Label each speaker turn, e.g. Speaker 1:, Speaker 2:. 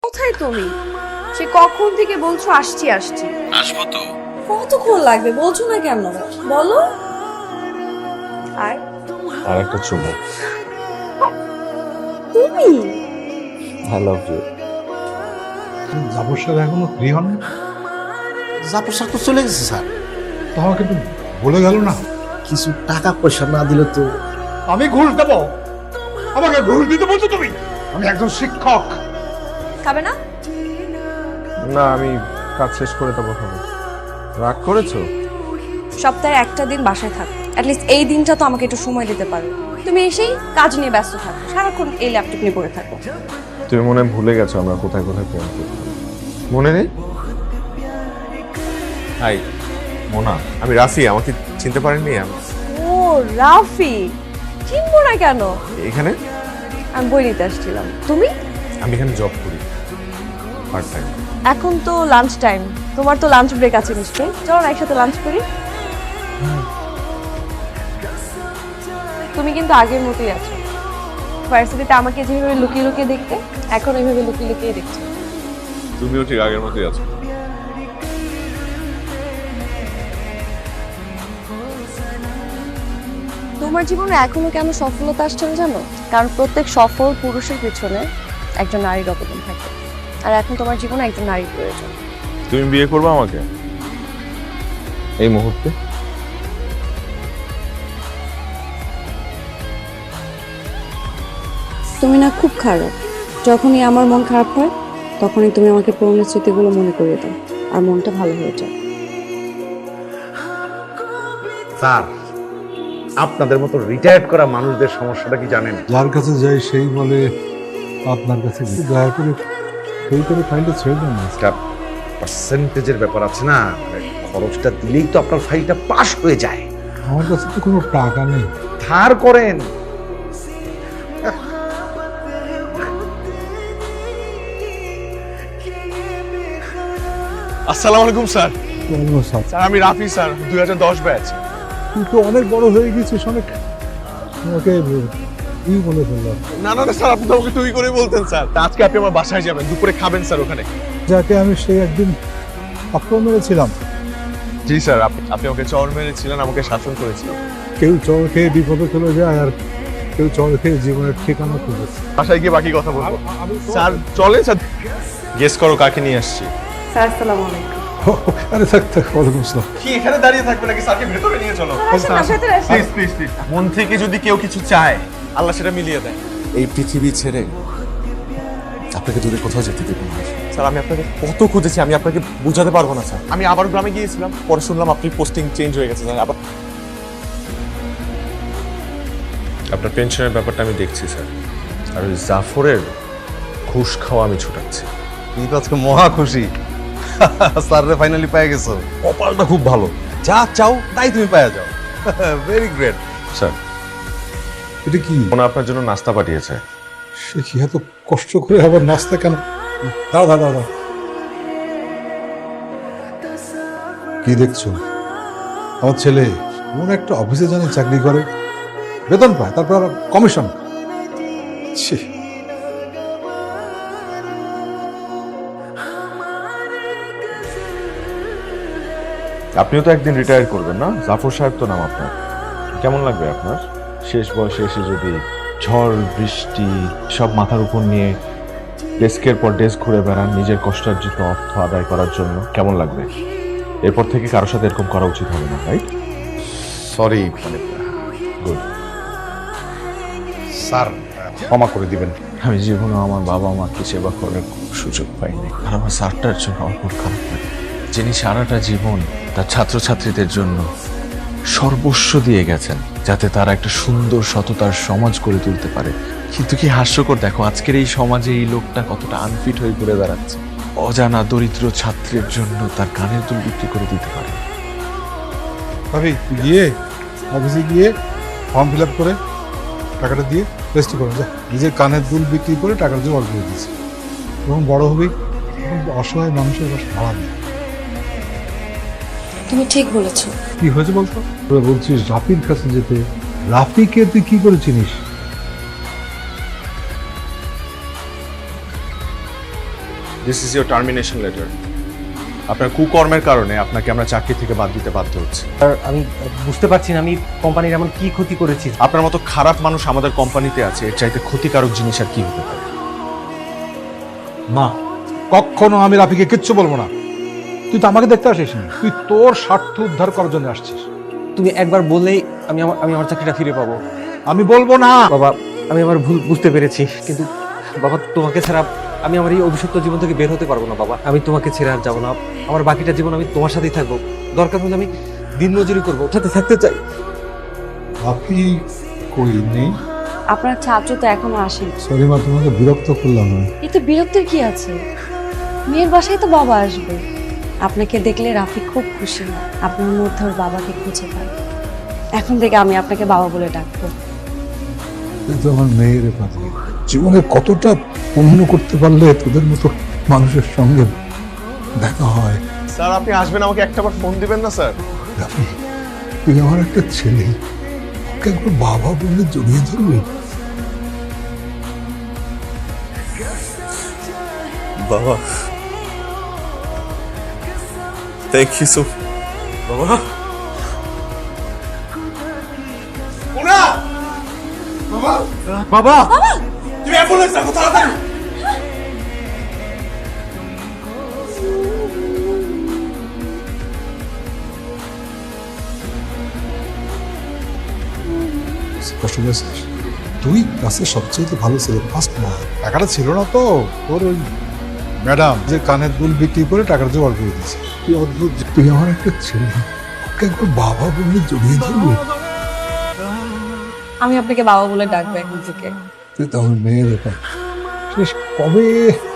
Speaker 1: কোথায় তুমি? সে কখন থেকে বলছো আসছি আসছি।
Speaker 2: আসবো তো।
Speaker 1: কতক্ষণ লাগবে বলছো না কেন? বলো। আর
Speaker 2: আর একটা চুমু।
Speaker 1: তুমি
Speaker 2: আই লাভ ইউ।
Speaker 3: জাফর সাহেব এখনো ফ্রি হন?
Speaker 4: জাফর স্যার তো চলে গেছে স্যার।
Speaker 3: তো আমাকে একটু বলে গেল না।
Speaker 4: কিছু টাকা পয়সা না দিলে তো।
Speaker 3: আমি ঘুষ দেবো? আমাকে ঘুষ দিতে বলছো তুমি? আমি একজন শিক্ষক।
Speaker 1: খাবে না?
Speaker 2: না, আমি কাজ শেষ করে তারপর খাবো। রাগ করেছো?
Speaker 1: সপ্তাহে একটা দিন বাসায় থাকো, অ্যাটলিস্ট এই দিনটা তো আমাকে একটু সময় দিতে পারো। তুমি এসেই কাজ নিয়ে ব্যস্ত থাকো, সারাক্ষণ এই ল্যাপটপ নিয়ে পড়ে থাকো।
Speaker 2: তুমি মনে হয় ভুলে গেছো আমরা কোথায় কোথায় প্রেম করতাম। মনে নেই? হাই মোনা, আমি রাফি। আমাকে চিনতে পারেননি?
Speaker 1: ও রাফি, চিনবো না কেন?
Speaker 2: এখানে
Speaker 1: আমি বই নিতে আসছিলাম। তুমি?
Speaker 2: আমি এখানে জব করি পার্ট টাইম।
Speaker 1: এখন তো লাঞ্চ টাইম, তোমার তো লাঞ্চ ব্রেক আছে নিশ্চয়ই, চলো না একসাথে লাঞ্চ করি। তুমি কিন্তু আগের মতোই আছো। ভার্সিটিতে আমাকে যেভাবে লুকিয়ে লুকিয়ে দেখতে, এখন এইভাবে লুকিয়ে লুকিয়ে দেখছো।
Speaker 2: তুমিও ঠিক আগের মতোই আছো।
Speaker 1: তোমার জীবনে এখনো কেন সফলতা আসছে না জানো? কারণ প্রত্যেক সফল পুরুষের পিছনে একজন নারীর অবদান থাকে, আর এখন তোমার জীবনে একজন নারীর প্রয়োজন।
Speaker 2: তুমি বিয়ে করবে আমাকে এই মুহূর্তে?
Speaker 1: তুমি না খুব খারাপ। যখনই আমার মন খারাপ হয় তখনই তুমি আমাকে পুরনো স্মৃতিগুলো মনে করিয়ে দাও, আর মনটা ভালো হয়ে যায়।
Speaker 4: স্যার, আপনাদের মতো রিটায়ার্ড করা মানুষদের সমস্যাটা কি জানেন?
Speaker 3: যার কাছে যাই সেই বলে আপনার কাছে গেছি। দয়া করে সই করে ফাইলটা ছেড়ে দেন না।
Speaker 4: একটা পার্সেন্টেজের ব্যাপার আছে না, মানে খরচটা দিলেই তো আপনার ফাইলটা পাস হয়ে যায়।
Speaker 3: আমার কাছে তো কোনো টাকা নেই।
Speaker 4: ধার করেন।
Speaker 5: আসসালামু আলাইকুম স্যার।
Speaker 3: কোনো সাথে
Speaker 5: স্যার আমি রাফি স্যার, 2010 ব্যাচ।
Speaker 3: তুই তো অনেক বড় হয়ে গেছিস, অনেক তোমাকে কি বলে ফেললাম।
Speaker 5: না না না স্যার, আপনি তো আমাকে তুই করে বলতেন স্যার। তা আজকে আপনি আমার বাসায় যাবেন, দুপুরে খাবেন স্যার ওখানে।
Speaker 3: যাকে আমি সেই একদিন আক্রমণ মেরেছিলাম।
Speaker 5: জি স্যার, আপনি আমাকে চর মেরেছিলেন, আমাকে শাসন করেছিলেন।
Speaker 3: কেউ চর খেয়ে বিপদে চলে যায়, আর কেউ চর খেয়ে জীবনের ঠিকানা খুঁজে।
Speaker 5: বাসায় গিয়ে বাকি কথা বলবো। স্যার চলে স্যার। গেস করো কাকে নিয়ে আসছি।
Speaker 1: স্যার আসসালামু আলাইকুম।
Speaker 3: আরে থাক থাক, ওয়ালাইকুম আসসালাম।
Speaker 5: কি এখানে দাঁড়িয়ে থাকবে নাকি? স্যারকে ভেতরে নিয়ে চলো। Please please please. মন থেকে যদি কেউ কিছু চায়, আল্লাহ সেটা মিলিয়ে দেয়।
Speaker 6: এই পৃথিবী ছেড়ে আপনাকে দূরে কোথাও যেতে দেবো না।
Speaker 5: স্যার আমি আপনাকে কত খুঁজেছি, আমি আপনাকে বোঝাতে পারবো না স্যার। আমি আবার গ্রামে গিয়েছিলাম, পরে শুনলাম আপনি পোস্টিং চেঞ্জ হয়ে গেছে স্যার। আবার
Speaker 2: আপনার পেনশনের ব্যাপারটা আমি দেখছি স্যার, আর ওই জাফরের ঘুষ খাওয়া আমি ছুটাচ্ছি।
Speaker 4: তুমি তো আজকে মহা খুশি। স্যাররে ফাইনালি পেয়ে গেছো।
Speaker 2: কপালটা খুব ভালো।
Speaker 4: যা চাও তাই তুমি পেয়ে যাও। Very great.
Speaker 2: স্যার
Speaker 3: এটা কি?
Speaker 2: ওনা আপনার জন্য নাস্তা পাঠিয়েছে।
Speaker 3: সে কি এত কষ্ট করে আবার নাস্তা কেন? দাও দাও দাও দাও। কি দেখছো? আমার ছেলে কোন একটা অফিসে জানে চাকরি করে, বেতন পায়, তারপর আবার কমিশন। ছি।
Speaker 2: আপনিও তো একদিন রিটায়ার করবেন না? জাফর সাহেব তো নাম আপনার। কেমন লাগবে আপনার শেষ বয়সে এসে যদি ঝড় বৃষ্টি সব মাথার উপর নিয়ে ডেস্কের পর ডেস্ক ঘুরে বেড়ান নিজের কষ্টার্জিত অর্থ আদায় করার জন্য? কেমন লাগবে? এরপর থেকে কারোর সাথে এরকম করা উচিত হবে না, রাইট?
Speaker 4: সরি, মানে
Speaker 2: গুড।
Speaker 4: স্যার ক্ষমা করে দিবেন।
Speaker 2: আমি জীবনে আমার বাবা মাকে সেবা করার সুযোগ পাইনি, আর আমার স্যারটার জন্য আমার খুব খারাপ লাগে, যিনি সারাটা জীবন তার ছাত্রছাত্রীদের জন্য সর্বস্ব দিয়ে গেছেন যাতে তারা একটা সুন্দর সততার সমাজ গড়ে তুলতে পারে। কিন্তু কি হাস্যকর, দেখো আজকের এই সমাজে এই লোকটা কতটা আনফিট হয়ে ঘুরে বেড়াচ্ছে। অজানা দরিদ্র ছাত্রের জন্য তার কানের দুল বিক্রি করে দিতে পারে।
Speaker 3: ভাবি গিয়ে অফিসে গিয়ে ফর্ম ফিল আপ করে টাকাটা দিয়ে রেজিস্টার করে যা। নিজের কানের দুল বিক্রি করে টাকার জোগাড় করে দিয়েছি। এবং বড় হবি, অসহায় মানুষের বাসা ভাড়া নেই।
Speaker 1: তুমি ঠিক বলেছো।
Speaker 3: কি হয়েছে বলতো? তোরা বলছিস রাফির কাছে যেতে। রাফিকে তুই কি করে চিনিস?
Speaker 5: This is your termination letter. আপনার কুকর্মের কারণে আপনাকে আমরা চাকরি থেকে বাদ দিতে বাধ্য হচ্ছি।
Speaker 7: আর আমি বুঝতে পারছি না আমি কোম্পানির এমন কি ক্ষতি করেছি।
Speaker 5: আপনার মতো খারাপ মানুষ আমাদের কোম্পানিতে আছে, এর চাইতে ক্ষতিকারক জিনিস আর কি হতে পারে?
Speaker 3: না, কখনো আমি রাফিকে কিচ্ছু বলবো না। তুই তো আমাকে দেখতে আসিস নি, তুই তোর স্বার্থ উদ্ধার করার জন্য আসছিস।
Speaker 7: তুমি একবার বললেই আমি আমার চাকরিটা ফিরে পাবো।
Speaker 3: আমি বলবো না।
Speaker 7: বাবা, আমি আমার ভুল বুঝতে পেরেছি, কিন্তু বাবা তোমাকে ছাড়া আমি আমার এই অভিশপ্ত জীবন থেকে বের হতে পারবো না। বাবা, আমি তোমাকে ছেড়ে আর যাবো না। আমার বাকিটা জীবন আমি তোমার সাথেই থাকবো। দরকার হলে আমি দিন মজুরি করবো, সাথে থাকতে চাই।
Speaker 3: রাফি কই নেই?
Speaker 1: আপনার ছাত্র তো এখনো আসেনি।
Speaker 3: সরি মা, তোমাকে বিরক্ত করলাম না।
Speaker 1: এতে বিরক্তির কি আছে? মেয়ের বাসায় তো বাবা আসবে। আপনাকে দেখলে রাফি খুব খুশি হয়, আপনার মধ্যে ওর বাবাকে খুঁজে পায়। এখন থেকে আমি আপনাকে বাবা বলে ডাকবো।
Speaker 3: তুই তো আমার মেয়ের পাতি। জীবনে কতটা পূর্ণ করতে পারলে তোদের মতো মানুষের সঙ্গে দেখা হয়।
Speaker 5: স্যার আপনি আসবেন, আমাকে একটাবার ফোন দিবেন না স্যার?
Speaker 3: রাফি, তুই আমার একটা ছেলে, ওকে একবার বাবা বলে জড়িয়ে ধরবি।
Speaker 5: বাবা থ্যাংক ইউ সো। বাবা
Speaker 7: বাবা,
Speaker 5: তুমি অ্যাম্বুলেন্স ডাকো তাড়াতাড়ি।
Speaker 3: কষ্ট পেয়েছিস? তুই ক্লাসের সবচেয়ে ভালো ছেলে, ফার্স্ট না। টাকাটা ছিল না তো, তোর ওই ম্যাডাম যে কানের দুল বিক্রি করে টাকাটা জোগাড় করে দিয়েছে। তুই অদ্ভুত, তুই আমার একটা ছেলে, ওকে একবার বাবা বলে জড়িয়ে ধরবি।
Speaker 1: আমি আপনাকে বাবা বলে ডাকবো এখন থেকে।
Speaker 3: তুই তো আমার মেয়ের ব্যাপার। শেষ কবে